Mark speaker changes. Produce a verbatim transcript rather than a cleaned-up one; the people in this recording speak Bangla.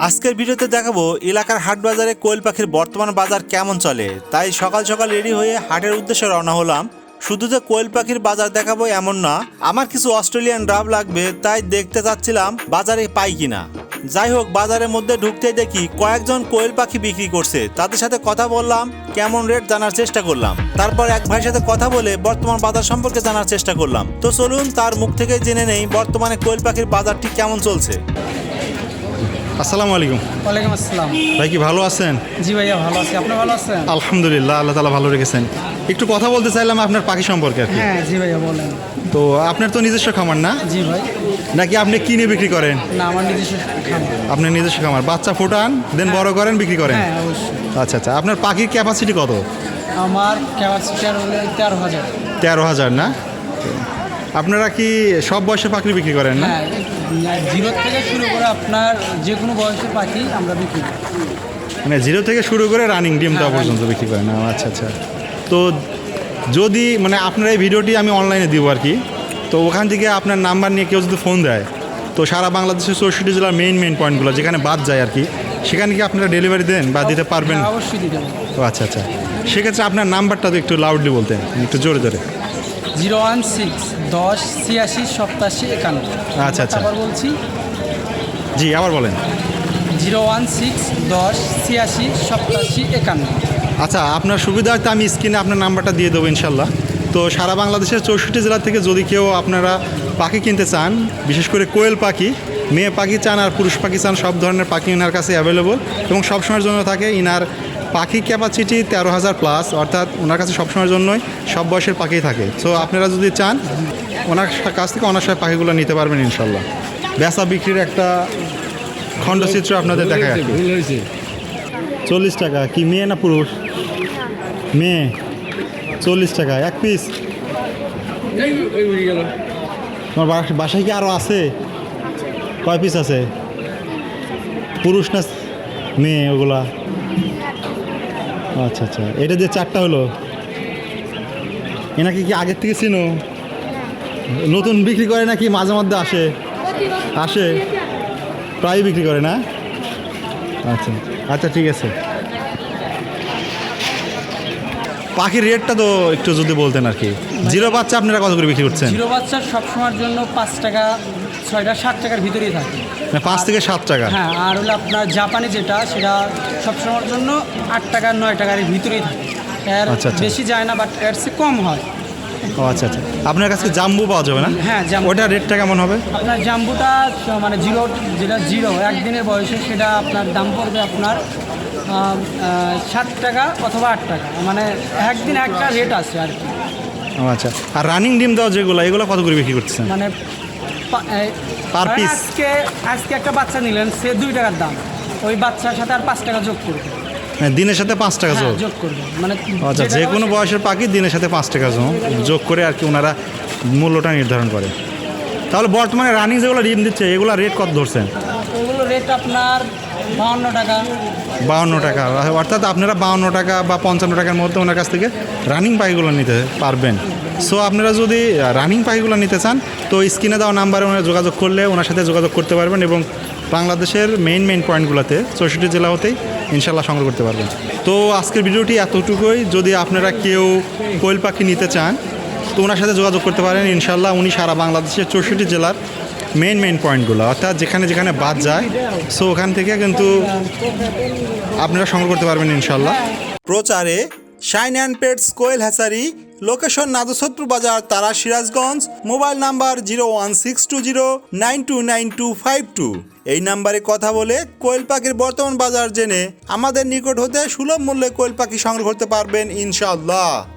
Speaker 1: আজকের ভিডিওতে দেখাবো এলাকার হাট বাজারে কোয়েল পাখির বর্তমান বাজার কেমন চলে। তাই সকাল সকাল রেডি হয়ে হাটের উদ্দেশ্যে রওনা হলাম। শুধু যে কোয়েল পাখির বাজার দেখাবো এমন না, আমার কিছু অস্ট্রেলিয়ান ডাব লাগবে, তাই দেখতে চাচ্ছিলাম বাজারে পাই কিনা। যাই হোক, বাজারের মধ্যে ঢুকতেই দেখি কয়েকজন কোয়েল পাখি বিক্রি করছে। তাদের সাথে কথা বললাম, কেমন রেট জানার চেষ্টা করলাম। তারপর এক ভাইয়ের সাথে কথা বলে বর্তমান বাজার সম্পর্কে জানার চেষ্টা করলাম। তো চলুন তার মুখ থেকে জেনে নেই বর্তমানে কোয়েল পাখির বাজারটি কেমন চলছে। আসসালামু আলাইকুম।
Speaker 2: ওয়ালাইকুম আসসালাম।
Speaker 1: ভাই কি ভালো আছেন?
Speaker 2: জি ভাইয়া ভালো আছি, আপনি ভালো আছেন?
Speaker 1: আলহামদুলিল্লাহ, আল্লাহ তাআলা ভালো রেখেছেন। একটু কথা বলতে চাইলাম আপনার পাখি সম্পর্কে আর কি।
Speaker 2: হ্যাঁ জি ভাইয়া বলেন।
Speaker 1: তো আপনার তো নিজস্ব খামার না?
Speaker 2: জি ভাই।
Speaker 1: নাকি আপনি কিনে বিক্রি করেন?
Speaker 2: না, আমার নিজস্ব খামার।
Speaker 1: আপনার নিজস্ব খামার, বাচ্চা ফোটান দেন বড় করেন বিক্রি করেন?
Speaker 2: হ্যাঁ অবশ্যই।
Speaker 1: আচ্ছা আচ্ছা, আপনার পাখির ক্যাপাসিটি কত?
Speaker 2: আমার ক্যাপাসিটি হলো তেরো হাজার।
Speaker 1: তেরো হাজার না? আপনারা কি সব বয়সের পাখি বিক্রি করেন না?
Speaker 2: হ্যাঁ, জিরো থেকে শুরু করে আপনার যে কোনো বয়সের পাখি আমরা বিক্রি করি।
Speaker 1: মানে জিরো থেকে শুরু করে রানিং ডিম দেওয়া
Speaker 2: হ্যাঁ,
Speaker 1: পর্যন্ত বিক্রি করেন? আচ্ছা আচ্ছা। তো যদি মানে আপনার এই ভিডিওটি আমি অনলাইনে দিব আর কি, তো ওখান থেকে আপনার নাম্বার নিয়ে কেউ যদি ফোন দেয়, তো সারা বাংলাদেশের চৌষট্টি জেলার মেইন মেইন পয়েন্টগুলো যেখানে বাদ যায় আর কি, সেখানে কি আপনারা ডেলিভারি দেন বা দিতে পারবেন?
Speaker 2: হ্যাঁ, অবশ্যই দিতে পারবো।
Speaker 1: ও আচ্ছা আচ্ছা, সেক্ষেত্রে আপনার নাম্বারটা তো একটু লাউডলি বলতেন, একটু জোরে জোরে।
Speaker 2: জিরো ওয়ান সিক্স দশ ছিয়াশি সপ্তাশি একান্ন।
Speaker 1: আচ্ছা আচ্ছা,
Speaker 2: আবার বলছি,
Speaker 1: জি আবার বলেন।
Speaker 2: জিরো ওয়ান সিক্স দশ ছিয়াশি সপ্তাশি একান্ন।
Speaker 1: আচ্ছা, আপনার সুবিধার্থে আমি স্ক্রিনে আপনার নাম্বারটা দিয়ে দেবো ইনশাল্লাহ। তো সারা বাংলাদেশের চৌষট্টি জেলা থেকে যদি কেউ আপনারা পাখি কিনতে চান, বিশেষ করে কোয়েল পাখি, মেয়ে পাখি চান আর পুরুষ পাখি চান, সব ধরনের পাখি ইনার কাছে অ্যাভেলেবল এবং সবসময়ের জন্য থাকে। ইনার পাখি ক্যাপাসিটি তেরো হাজার প্লাস, অর্থাৎ ওনার কাছে সবসময়ের জন্যই সব বয়সের পাখি থাকে। সো আপনারা যদি চান ওনার কাছ থেকে অনার্সের পাখিগুলো নিতে পারবেন ইনশাল্লাহ। বেচা বিক্রির একটা খণ্ডচিত্র আপনাদের দেখায় আর কি। চল্লিশ টাকা কি মেয়ে না পুরুষ? মেয়ে চল্লিশ টাকা এক পিস। তোমার বাসায় কি আরও আছে? কয় পিস আছে? পুরুষ না মেয়ে ওগুলা? আচ্ছা আচ্ছা, এটা যে চারটা হলো, এনাকে কি আগের থেকে চিনো? নতুন বিক্রি করে নাকি মাঝে মধ্যে আসে? আসে, প্রায় বিক্রি করে না? আচ্ছা আচ্ছা, ঠিক আছে। পাখির রেটটা তো একটু যদি বলতেন আর কি। জিরো বাচ্চা আপনারা কত করে বিক্রি করছেন?
Speaker 2: জিরো বাচ্চার সবসময়ের জন্য পাঁচ টাকা, ছয়টা সাত টাকার ভিতরেই থাকে।
Speaker 1: পাঁচ থেকে সাত টাকা?
Speaker 2: হ্যাঁ, আর হলো আপনার জাপানি যেটা, সেটা সবসময়ের জন্য আট টাকা নয় টাকার ভিতরেই থাকে। এর
Speaker 1: আচ্ছা আচ্ছা,
Speaker 2: বেশি যায় না, বাট এর চেয়ে কম হয়।
Speaker 1: ও আচ্ছা আচ্ছা। আপনার কাছে জাম্বু পাওয়া যাবে না?
Speaker 2: হ্যাঁ, জাম্বু।
Speaker 1: ওটা রেটটা কেমন হবে?
Speaker 2: আপনার জাম্বুটা মানে জিরো, যেটা জিরো একদিনের বয়সে, সেটা আপনার দাম পড়বে আপনার সাত টাকা অথবা আট টাকা, মানে একদিন একটা রেট আছে আর কি।
Speaker 1: ও আচ্ছা। আর রানিং ডিম দেওয়া যেগুলো, এগুলো কত করে বিক্রি করতেছেন?
Speaker 2: মানে
Speaker 1: পার পিস?
Speaker 2: আজকে আজকে একটা বাচ্চা নিলেন, সে দুই টাকার দাম, ওই বাচ্চার সাথে আর পাঁচ টাকা যোগ করবে।
Speaker 1: দিনের সাথে পাঁচ টাকা যোগ?
Speaker 2: যোগ করবে মানে
Speaker 1: আচ্ছা, যে কোনো বয়সের পাখি দিনের সাথে পাঁচ টাকা যোগ করে আর কি ওনারা মূল্যটা নির্ধারণ করে। তাহলে বর্তমানে রানিং যেগুলো ডিম দিচ্ছে এগুলো রেট কত ধরছেন?
Speaker 2: ওগুলো রেট আপনার বাহান্ন টাকা।
Speaker 1: বাহান্ন টাকা, অর্থাৎ আপনারা বাহান্ন টাকা বা পঞ্চান্ন টাকার মধ্যে ওনার কাছ থেকে রানিং পাখিগুলো নিতে পারবেন। সো আপনারা যদি রানিং পাখিগুলো নিতে চান, তো স্ক্রিনে দেওয়া নাম্বারে ওনারা যোগাযোগ করলে ওনার সাথে যোগাযোগ করতে পারবেন এবং বাংলাদেশের মেইন মেইন পয়েন্টগুলোতে চৌষট্টি জেলা হতেই ইনশাল্লাহ সংগ্রহ করতে পারবেন। তো আজকের ভিডিওটি এতটুকুই। যদি আপনারা কেউ কোয়েল পাখি নিতে চান, তো ওনার সাথে যোগাযোগ করতে পারেন ইনশাল্লাহ। উনি সারা বাংলাদেশের চৌষট্টি জেলার মেইন মেইন পয়েন্টগুলো, অর্থাৎ যেখানে যেখানে বাদ যায়, সো ওখান থেকে কিন্তু আপনারা সংগ্রহ করতে পারবেন ইনশাল্লাহ। প্রচারে শাইন অ্যান্ড পেটস কোয়েল হ্যাচারি, লোকেশন নাদুসত্তর বাজার, তারা, Sirajganj. Mobile number zero one six two zero nine two nine two five two. এই নাম্বারে কথা বলে কোয়েল পাখির বর্তমান বাজার জেনে আমাদের নিকট হতে সুলভ মূল্যে কোয়েল পাখি সংগ্রহ করতে পারবেন ইনশাআল্লাহ।